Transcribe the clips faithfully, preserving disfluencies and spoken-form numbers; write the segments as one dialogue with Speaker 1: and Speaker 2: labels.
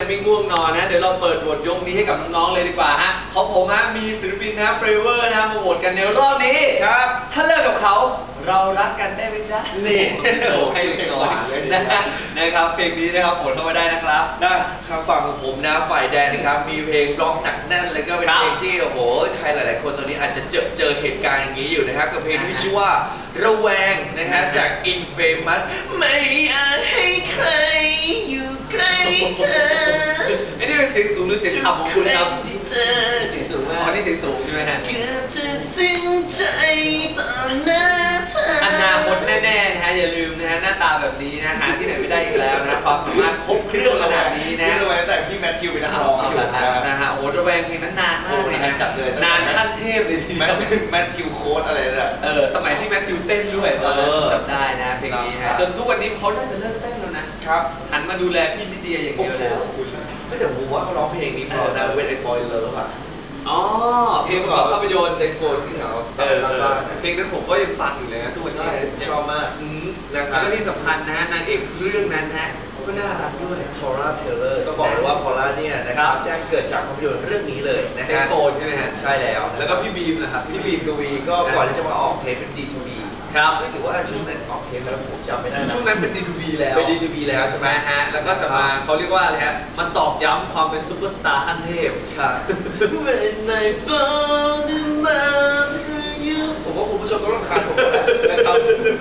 Speaker 1: ไม่ง่วงนอนนะเดี๋ยวเราเปิดโหวตยกนี้ให้กับน้องๆเลยดีกว่าฮะของผมฮะมีศิลปินนะเฟรเวอร์นะมาโหวตกันในรอบนี้ครับถ้าเลิกกับเขาเรารักกันได้ไหมจ๊ะนี่โอ้ให้เล็กน้อยนะนะครับเพลงนี้นะครับโหวตเข้ามาได้นะครับ
Speaker 2: นะครับฝั่งของผมนะฝ่ายแดนนะครับมีเพลงร้องหนักแน่นเลยก็เป็นเพลงที่โอ้โหใครหลายๆคนตอนนี้อาจจะเจอเจอเหตุการณ์อย่างนี้อยู่นะครับกับเพลงที่ชื่อว่าระแวงนะฮะจาก Infamous ไม่อาจให้ใครอยู่ใกล้เธอ
Speaker 1: ไอ้นี่เป็นเสียงสูงหรือเสียงต่ำของคุณครับ
Speaker 2: ที่เธอเสียงสูงมาก
Speaker 1: อ๋อนี่เสียงสูงใช่ไหมฮะ
Speaker 2: เกือบจะสิ้นใจต่อหน้าเธอ
Speaker 1: อนาคตแน่ๆนะฮะอย่าลืมนะฮะหน้าตาแบบนี้นะหาที่ไหนไม่ได้อีกแล้วนะความสามารถครบเครื่องขนาดนี้นะ
Speaker 2: ระแวงแต่พี่แมทธิวเป็นนักร้องอยู่
Speaker 1: นะฮะโอ้ระแวงเพลงนั้นนานมากเลยนะ
Speaker 2: จัดเลย
Speaker 1: นานขั้นเทพเลยที
Speaker 2: แมทธิวแมทธิวโค้ดอะไรเนี่ย
Speaker 1: เออสมัยที่แมทธิวเต้นด้วยตอนนั้นจำได้นะเพลงนี้ฮะจนทุกวันนี้เขาน่าจะเลิกเต้นแล้วนะครับหันมาดูแลพี่ลิเดียอย่างเดียวแล้ว
Speaker 2: ไม่แต่ผมว่าเขาร้องเพลงนี้เพราะนะเวทไอ้บอยเลิฟอ่ะ
Speaker 1: อ๋อเพลงประกอบภาพยนตร์
Speaker 2: เด็กโฟนที่เขา
Speaker 1: เออเพลงนั้นผมก็ยังฟังอยู่เลยนะทุกวันนี้
Speaker 2: ชอบมาก
Speaker 1: แล้วก็ที่สำคัญนะนางเอกเรื่องนั้นฮะก็น่ารักด้วย
Speaker 2: พอล่าเทเลอร์ก็บอกเลยว่าพอล่าเนี่ยนะครับแจ้งเกิดจากภาพยนตร์เรื่องนี้เลยนะ
Speaker 1: เด็กโฟนใช่ไหมฮะ
Speaker 2: ใช่แล้ว
Speaker 1: แล้วก็พี่บีมนะครับ
Speaker 2: พี่บีมกวีก็ก่อนที่จะมาออกเทปเป็น ดี ทู บี
Speaker 1: ครับ
Speaker 2: ไม่ถือว่าช่วงนั้นออกเทปแล้วผมจำไม่ได้
Speaker 1: ช่วงนั้นเป็น ดี ทู บี แล้ว
Speaker 2: เป็น ดี ทู บี แล้วใช่ไหม
Speaker 1: ฮะแล้วก็จะมาเขาเรียกว่าอะไรฮะมันตอกย้ำความเป็นซุปเปอร์สตาร์ขั้นเทพ
Speaker 2: ค่ะ When I fall in love with you ผมว่าคุณผู้ชมก็ต้องคานผมนะครับ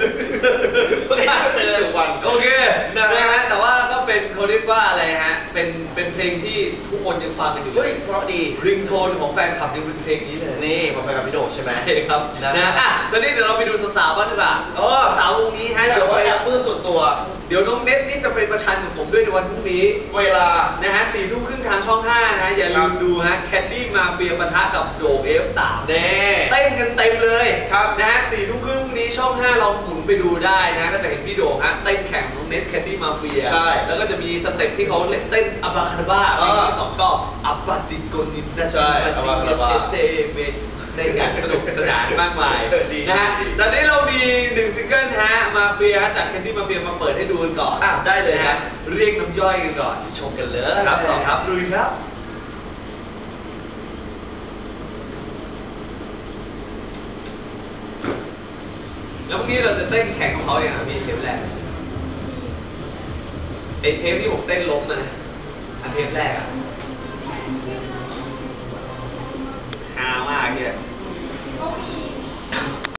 Speaker 1: เป็นทุกวันโอเคนะฮะแต่ว่าก็เป็นเขาเรียกว่าอะไรฮะเป็นเป็นเพลงที่ทุกคนยังฟังกันอยู่
Speaker 2: เฮ้ยเพราะดี
Speaker 1: ริงโทนของแฟนคลับยังเป็นเพลงนี้เลย
Speaker 2: นี่ผมไปกับพี่โดใช่ไหม
Speaker 1: ครับนะอ่ะตอนนี้เดี๋ยวเราไปดูสาวๆบ้างดีกว่าอ๋อสาววงนี้ฮะ
Speaker 2: เดี๋ยวไปแอบปื้มส่วนตัว
Speaker 1: เดี๋ยวน้องเน็ตนี่จะไปประชันกับผมด้วยในวันพรุ่งนี้
Speaker 2: เวลา
Speaker 1: นะฮะสี่ทุ่มครึ่งทางช่องห้านะฮะอย่าลืมดูฮะแคดดี้มาเฟียปะทะกับโดเอฟสาม
Speaker 2: แน่
Speaker 1: เต้นกันเต็มเลยครับนะฮะสี่ทุ่มครึ่งนี้ช่องห้าลองหมุนไปดูได้นะก็จะเห็นพี่โดฮะเต้นแข่งน้องเน็ตแคดดี้มาเฟีย
Speaker 2: ใช่
Speaker 1: แล้วก็จะมีสเต็ปที่เขาเล่นเต้นอับบาคาราบ้ามีสองช่ออับบาติโกนิสนะ
Speaker 2: ใช่อับบาคาราบ้า
Speaker 1: เตเมในการสนุกสนานมากมายนะฮะตอนนี้เรามีหนึ่งซิงเกิลฮะมาเฟียจากแคนดี้มาเฟียมาเปิดให้ดูกันก่อน
Speaker 2: อ่ะได้เลยฮะ
Speaker 1: เรียกน้ำย่อยกันก่อน
Speaker 2: ชมกันเลย
Speaker 1: ครับสองครับลุยครับแล้วพรุ่งนี้เราจะเต้นแข่งของเขาอย่างไรพี่เทปแรกไอเทปที่ผมเต้นล้มนะอันเทปแรกอะฮามากเนี่ย